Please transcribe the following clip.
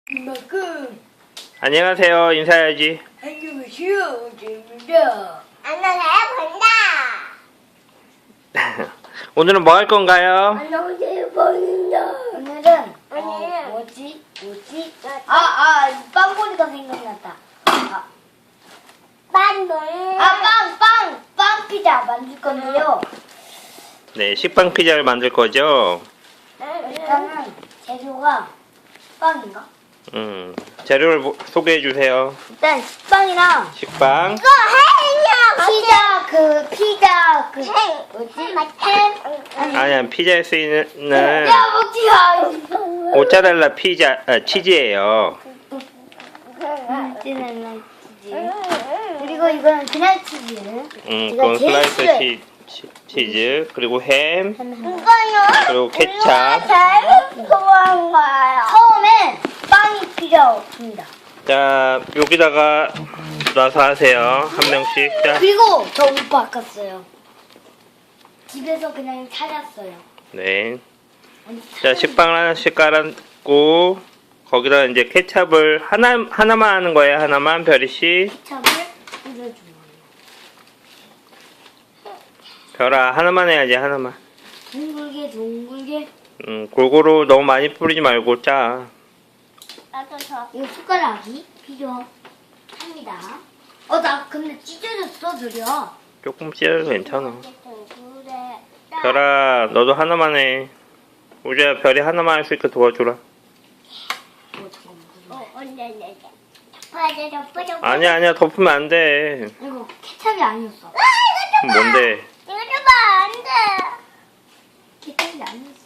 이만큼. 안녕하세요. 인사해야지. 안녕하세요. 재입니다. 안녕하세요, 본다. 오늘은 뭐 할 건가요? 안녕하세요, 본다. 오늘은 오늘은 뭐지? 빵보니까 생각났다. 빵 피자 만들 건데요. 네, 식빵 피자를 만들 거죠. 일단은 재료가 빵인가? 재료를 소개해 주세요. 일단 식빵이랑 식빵, 피자 뭐지? 햄. 아니야, 피자에 쓰이는 야 먹지 마. 모짜렐라 치즈예요. 모짜렐라 치즈. 그리고 이거는 그날 치즈. 그건 슬라이스 치즈, 그리고 햄, 이거요? 그리고 케찹. 제일 좋아한 거예요. 처음엔 빵이 필요 없습니다. 자, 여기다가 놔서 하세요. 한 명씩. 자, 그리고 저 옷 바꿨어요. 집에서 그냥 찾았어요. 네. 아니, 자, 식빵을 하나씩 깔았고, 거기다 이제 케찹을 하나만 하는 거예요. 하나만, 별이 씨. 케찹을 뿌려주는 거예요. 별아, 하나만 해야지, 하나만. 둥글게. 골고루 너무 많이 뿌리지 말고, 짜. 나도 저. 이거 숟가락이 필요합니다. 나 근데 찢어졌어, 드려. 조금 찢어도 괜찮아. 그래. 별아, 너도 하나만 해. 우주야, 별이 하나만 할 수 있게 도와주라. 언제. 아니야, 덮으면 안 돼. 이거 케찹이 아니었어. 뭔데? 이거 봐, 안 돼. 케찹이 아니었어.